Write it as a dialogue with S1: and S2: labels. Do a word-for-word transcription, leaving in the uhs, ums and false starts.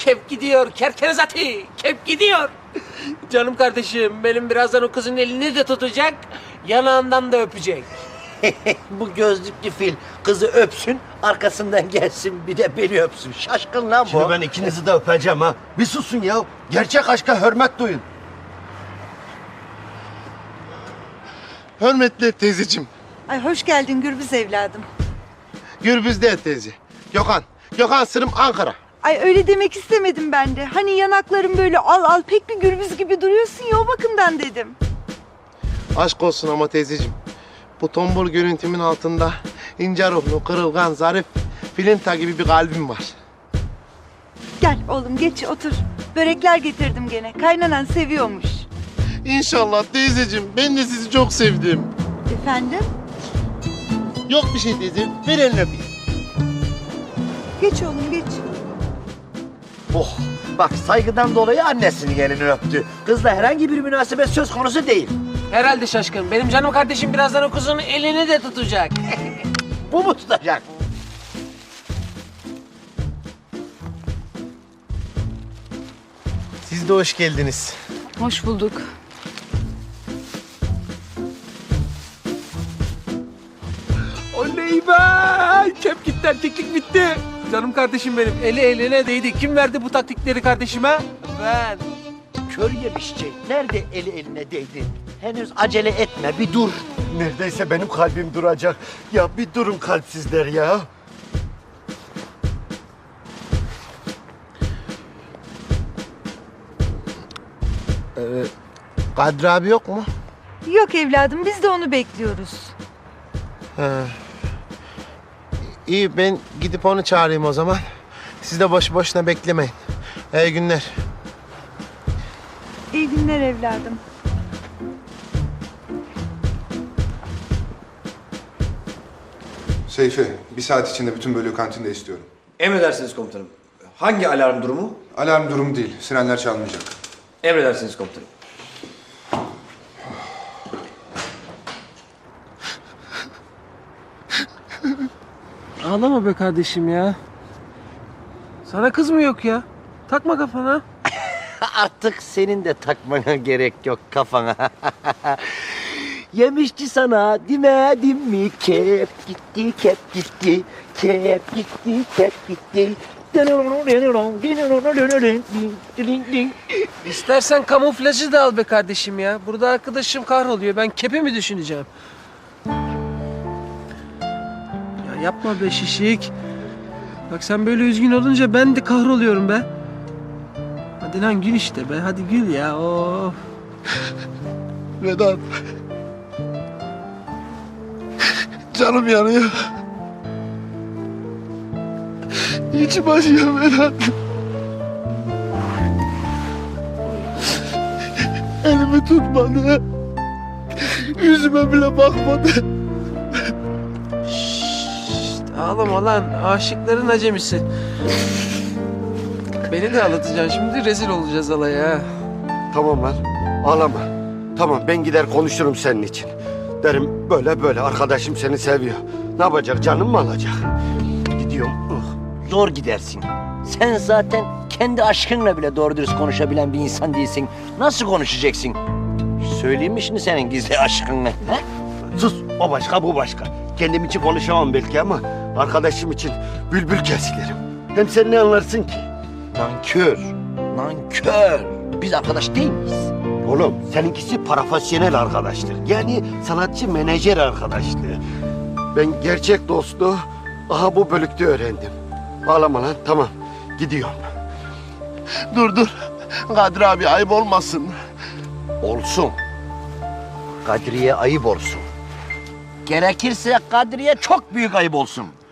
S1: Kep gidiyor kerkenizati. Kep gidiyor. Canım kardeşim benim birazdan o kızın elini de tutacak. Yanağından da öpecek.
S2: Bu gözlüklü fil kızı öpsün, arkasından gelsin bir de beni öpsün. Şaşkın lan bu.
S3: Şimdi ben ikinizi de öpeceğim ha. Bir susun ya. Gerçek aşka hürmet duyun.
S4: Hürmetli teyzeciğim.
S5: Ay hoş geldin Gürbüz evladım.
S4: Gürbüz değil teyze. Gökhan. Gökhan Sırım Ankara.
S5: Ay öyle demek istemedim ben de. Hani yanakların böyle al al pek bir Gürbüz gibi duruyorsun ya o bakımdan dedim.
S4: Aşk olsun ama teyzeciğim. Bu tombul görüntümün altında ince ruhlu, kırılgan, zarif, filinta gibi bir kalbim var.
S5: Gel oğlum geç otur. Börekler getirdim gene. Kaynanan seviyormuş.
S4: İnşallah teyzeciğim. Ben de sizi çok sevdim.
S5: Efendim?
S4: Yok bir şey teyzeciğim. Ver elini öpeyim.
S5: Geç oğlum geç.
S2: Oh, bak saygıdan dolayı annesinin elini öptü. Kızla herhangi bir münasebet söz konusu değil.
S1: Herhalde şaşkın. Benim canım kardeşim birazdan o kızın elini de tutacak.
S2: Bu mu tutacak?
S4: Siz de hoş geldiniz.
S6: Hoş bulduk.
S1: Oley be! Kep gitti, erkeklik bitti. Canım kardeşim benim. Eli eline değdi. Kim verdi bu taktikleri kardeşime? Ben.
S2: Kör yemiş şey. Nerede eli eline değdi? Henüz acele etme, bir dur.
S3: Neredeyse benim kalbim duracak. Ya bir durun kalpsizler ya.
S4: Kadri abi yok mu?
S5: Yok evladım biz de onu bekliyoruz.
S4: He. İyi ben gidip onu çağırayım o zaman. Siz de boş boşuna beklemeyin. İyi günler.
S5: İyi günler evladım.
S7: Seyfi, bir saat içinde bütün bölüğü kantinde istiyorum.
S8: Emredersiniz komutanım. Hangi alarm durumu?
S7: Alarm durumu değil, sirenler çalmayacak.
S8: Emredersiniz komutanım.
S1: Ağlama be kardeşim ya. Sana kız mı yok ya? Takma kafana.
S2: Artık senin de takmana gerek yok kafana. Yemişçi sana demedim mi? Kep gitti, kep gitti, kep gitti, kep gitti.
S1: İstersen kamuflajı da al be kardeşim ya. Burada arkadaşım kahroluyor. Ben kepi mi düşüneceğim? Ya yapma be şişik. Bak sen böyle üzgün olunca ben de kahroluyorum be. Hadi lan gül işte be. Hadi gül ya. Of.
S4: Vedat. Canım yanıyor. İçim acıyor Vedat. Elimi tutmadı. Yüzüme bile bakmadı.
S1: Şşt, ağlama lan. Aşıkların acemisi. Beni de ağlatacaksın. Şimdi rezil olacağız alaya.
S3: Tamam lan. Ağlama. Tamam ben gider konuşurum senin için. Derim böyle böyle arkadaşım seni seviyor. Ne yapacak canım mı alacak? Gidiyorum. Uh.
S2: Zor gidersin. Sen zaten kendi aşkınla bile doğru dürüst konuşabilen bir insan değilsin. Nasıl konuşacaksın? Söyleyeyim mi şimdi senin gizli aşkınla? He?
S3: Sus o başka bu başka. Kendim için konuşamam belki ama arkadaşım için bülbül kesilerim. Hem sen ne anlarsın ki?
S2: Nankör. Nankör. Biz arkadaş değil miyiz?
S3: Oğlum seninkisi profesyonel arkadaşlık. Yani sanatçı menajer arkadaşlığı. Ben gerçek dostluğu aha bu bölükte öğrendim. Ağlama lan tamam gidiyorum.
S4: Dur dur. Kadri abi ayıp olmasın.
S2: Olsun. Kadriye ayıp olsun. Gerekirse Kadriye çok büyük ayıp olsun.